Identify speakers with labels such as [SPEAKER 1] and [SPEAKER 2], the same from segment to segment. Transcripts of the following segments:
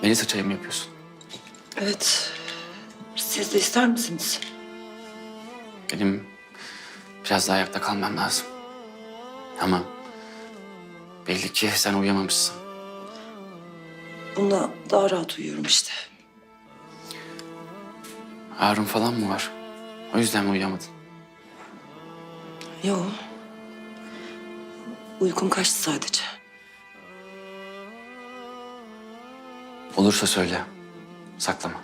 [SPEAKER 1] Melisa çayı mı yapıyorsun?
[SPEAKER 2] Evet. Siz de ister misiniz?
[SPEAKER 1] Benim biraz daha ayakta kalmam lazım. Ama belli ki sen uyuyamamışsın.
[SPEAKER 2] Bunda daha rahat uyuyorum işte.
[SPEAKER 1] Ağrın falan mı var? O yüzden mi uyuyamadın?
[SPEAKER 2] Yo. Uykum kaçtı sadece.
[SPEAKER 1] Olursa söyle. Saklama.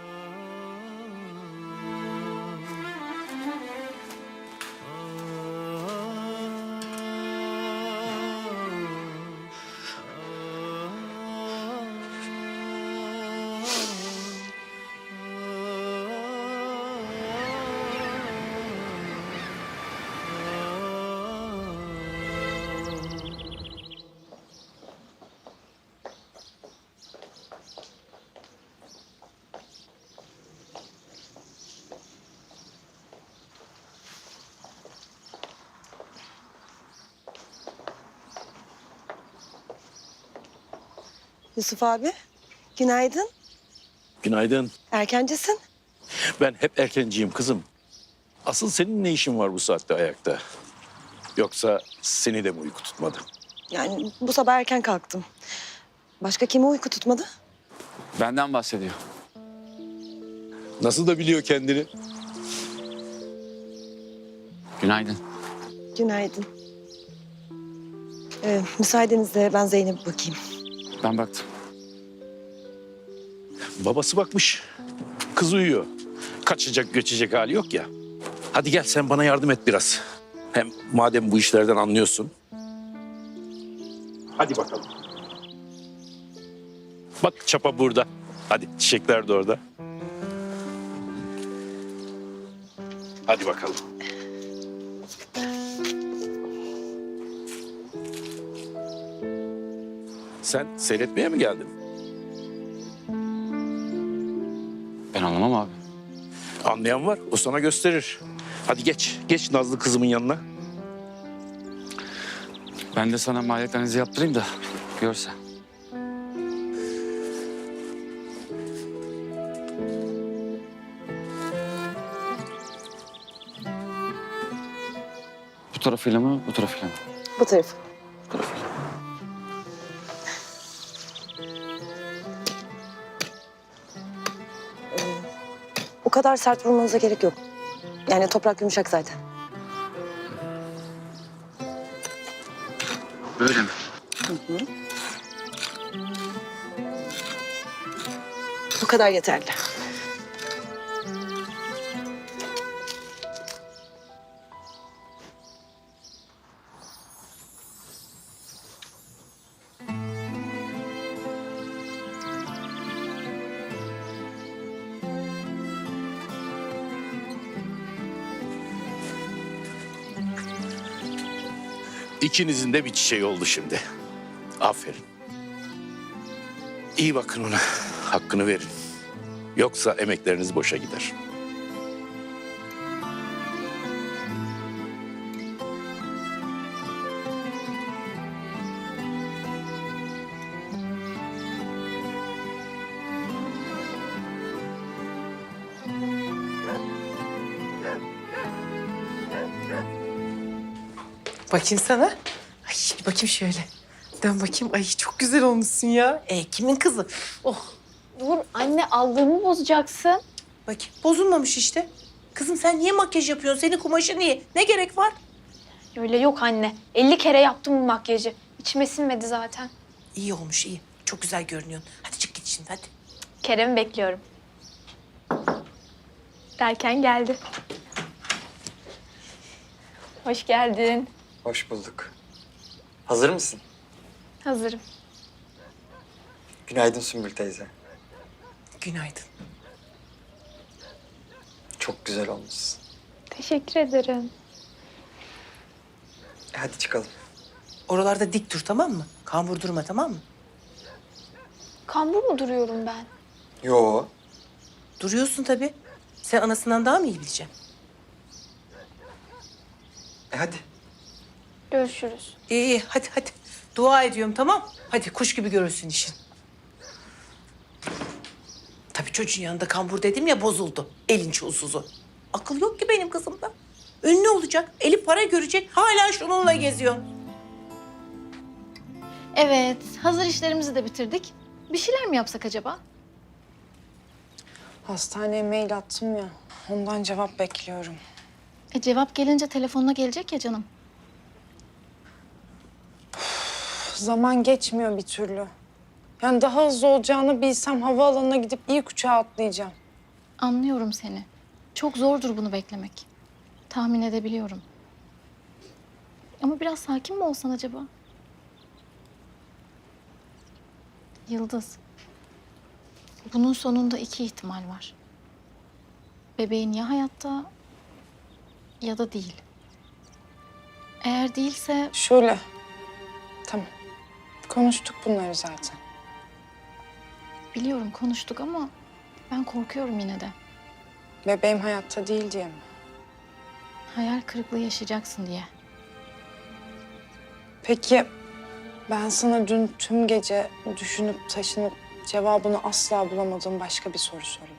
[SPEAKER 3] Yusuf abi, günaydın.
[SPEAKER 4] Günaydın.
[SPEAKER 3] Erkencisin.
[SPEAKER 4] Ben hep erkenciyim kızım. Asıl senin ne işin var bu saatte ayakta? Yoksa seni de mi uyku tutmadı?
[SPEAKER 3] Yani bu sabah erken kalktım. Başka kimi uyku tutmadı?
[SPEAKER 1] Benden bahsediyor.
[SPEAKER 4] Nasıl da biliyor kendini?
[SPEAKER 1] Günaydın.
[SPEAKER 3] Günaydın. Müsaadenizle ben Zeynep'e bakayım.
[SPEAKER 1] Ben baktım.
[SPEAKER 4] Babası bakmış. Kız uyuyor. Kaçacak göçecek hali yok ya. Hadi gel sen bana yardım et biraz. Hem madem bu işlerden anlıyorsun. Hadi bakalım. Bak çapa burada. Hadi çiçekler de orada. Hadi bakalım. Sen seyretmeye mi geldin?
[SPEAKER 1] Ben anlamam abi.
[SPEAKER 4] Anlayan var, o sana gösterir. Hadi geç, geç Nazlı kızımın yanına.
[SPEAKER 1] Ben de sana maliyet analizi yaptırayım da görsen. Bu tarafıyla mı, bu tarafıyla mı?
[SPEAKER 3] Bu tarafı.
[SPEAKER 1] Bu tarafıyla.
[SPEAKER 3] O kadar sert vurmanıza gerek yok. Yani toprak yumuşak zaten.
[SPEAKER 1] Böyle mi?
[SPEAKER 3] Bu kadar yeterli.
[SPEAKER 4] İkinizin de bir çiçeği oldu şimdi. Aferin. İyi bakın ona, hakkını verin. Yoksa emekleriniz boşa gider.
[SPEAKER 5] Bakayım sana. Ay bir bakayım şöyle. Dön bakayım. Ay çok güzel olmuşsun ya. Kimin kızı? Oh
[SPEAKER 6] Dur anne aldığımı bozacaksın.
[SPEAKER 5] bakayım. Bozulmamış işte. Kızım sen niye makyaj yapıyorsun? Senin kumaşın iyi. Ne gerek var?
[SPEAKER 6] Öyle yok anne. 50 kere yaptım bu makyajı. İçime sinmedi zaten.
[SPEAKER 5] İyi olmuş iyi. Çok güzel görünüyorsun. Hadi çık git şimdi hadi.
[SPEAKER 6] Kerem'i bekliyorum. Derken geldi. Hoş geldin.
[SPEAKER 7] Hoş bulduk. Hazır mısın?
[SPEAKER 6] Hazırım.
[SPEAKER 7] Günaydın Sümbül teyze.
[SPEAKER 5] Günaydın.
[SPEAKER 7] Çok güzel olmuşsun.
[SPEAKER 6] Teşekkür ederim.
[SPEAKER 7] Hadi çıkalım.
[SPEAKER 5] Oralarda dik dur tamam mı? Kambur durma tamam mı?
[SPEAKER 6] Kambur mu duruyorum ben?
[SPEAKER 7] Yo.
[SPEAKER 5] Duruyorsun tabii. Sen anasından daha mı iyi bileceksin?
[SPEAKER 7] Hadi.
[SPEAKER 6] Görüşürüz.
[SPEAKER 5] İyi hadi hadi. Dua ediyorum tamam. Hadi kuş gibi görürsün işin. Tabii çocuğun yanında kambur dedim ya bozuldu. Elin çulsuzu. Akıl yok ki benim kızımda. Ünlü olacak, eli para görecek. Hala şununla geziyor.
[SPEAKER 6] Evet, hazır işlerimizi de bitirdik. Bir şeyler mi yapsak acaba?
[SPEAKER 3] Hastaneye mail attım ya. Ondan cevap bekliyorum.
[SPEAKER 6] Cevap gelince telefonuna gelecek ya canım.
[SPEAKER 3] Zaman geçmiyor bir türlü. Yani daha hızlı olacağını bilsem havaalanına gidip ilk uçağa atlayacağım.
[SPEAKER 6] Anlıyorum seni. Çok zordur bunu beklemek. Tahmin edebiliyorum. Ama biraz sakin mi olsan acaba? Yıldız. Bunun sonunda iki ihtimal var. Bebeğin ya hayatta ya da değil. Eğer değilse
[SPEAKER 3] Şöyle. Tamam. Konuştuk bunları zaten.
[SPEAKER 6] biliyorum konuştuk ama ben korkuyorum yine de.
[SPEAKER 3] Bebeğim hayatta değil diye mi?
[SPEAKER 6] Hayal kırıklığı yaşayacaksın diye.
[SPEAKER 3] Peki ben sana dün tüm gece düşünüp taşınıp cevabını asla bulamadığım başka bir soru sorayım.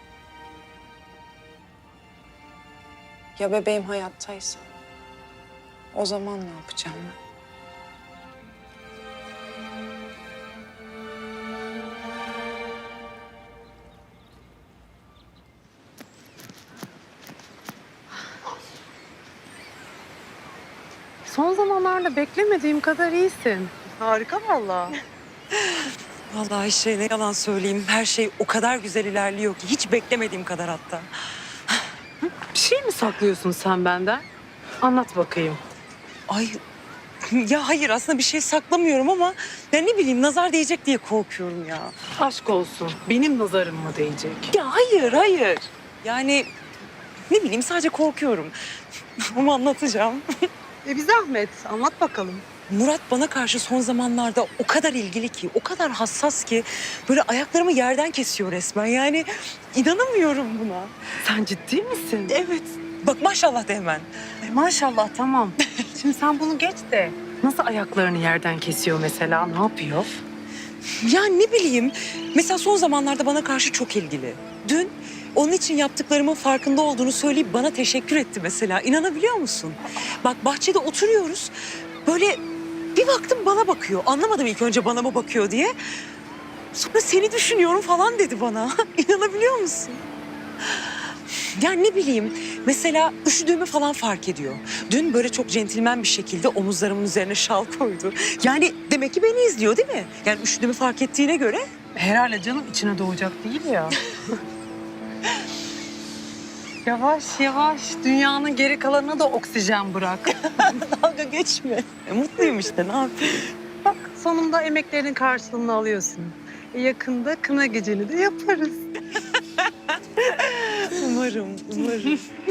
[SPEAKER 3] Ya bebeğim hayattaysa? O zaman ne yapacağım ben?
[SPEAKER 8] Son zamanlarda beklemediğim kadar iyisin. Harika vallahi.
[SPEAKER 2] Vallahi Ayşe ne yalan söyleyeyim. Her şey o kadar güzel ilerliyor ki. Hiç beklemediğim kadar hatta.
[SPEAKER 8] Bir şey mi saklıyorsun sen benden? Anlat bakayım.
[SPEAKER 2] Ay ya hayır aslında bir şey saklamıyorum ama ben ne bileyim nazar değecek diye korkuyorum ya.
[SPEAKER 8] Aşk olsun. Benim nazarım mı değecek?
[SPEAKER 2] Ya hayır. Yani ne bileyim sadece korkuyorum. Ama anlatacağım.
[SPEAKER 8] Bir zahmet. Anlat bakalım.
[SPEAKER 2] Murat bana karşı son zamanlarda o kadar ilgili ki, o kadar hassas ki böyle ayaklarımı yerden kesiyor resmen. Yani inanamıyorum buna.
[SPEAKER 8] Sen ciddi misin?
[SPEAKER 2] Evet. Bak maşallah de hemen.
[SPEAKER 8] Maşallah tamam. Şimdi sen bunu geç de. Nasıl ayaklarını yerden kesiyor mesela? Ne yapıyor?
[SPEAKER 2] Ya ne bileyim. Mesela son zamanlarda bana karşı çok ilgili. Dün onun için yaptıklarımın farkında olduğunu söyleyip bana teşekkür etti mesela. İnanabiliyor musun? Bak bahçede oturuyoruz. Böyle bir baktım bana bakıyor. Anlamadım ilk önce bana mı bakıyor diye. Sonra seni düşünüyorum falan dedi bana. İnanabiliyor musun? Ya ne bileyim. Mesela üşüdüğümü falan fark ediyor. Dün böyle çok centilmen bir şekilde omuzlarımın üzerine şal koydu. Yani demek ki beni izliyor değil mi? Yani üşüdüğümü fark ettiğine göre.
[SPEAKER 8] Herhalde canım içine doğacak değil ya. Yavaş yavaş dünyanın geri kalanına da oksijen bırak.
[SPEAKER 2] Dalga geçme. Mutluyum işte ne yapayım?
[SPEAKER 8] Bak sonunda emeklerinin karşılığını alıyorsun. Yakında kına geceni de yaparız.
[SPEAKER 2] Umarım.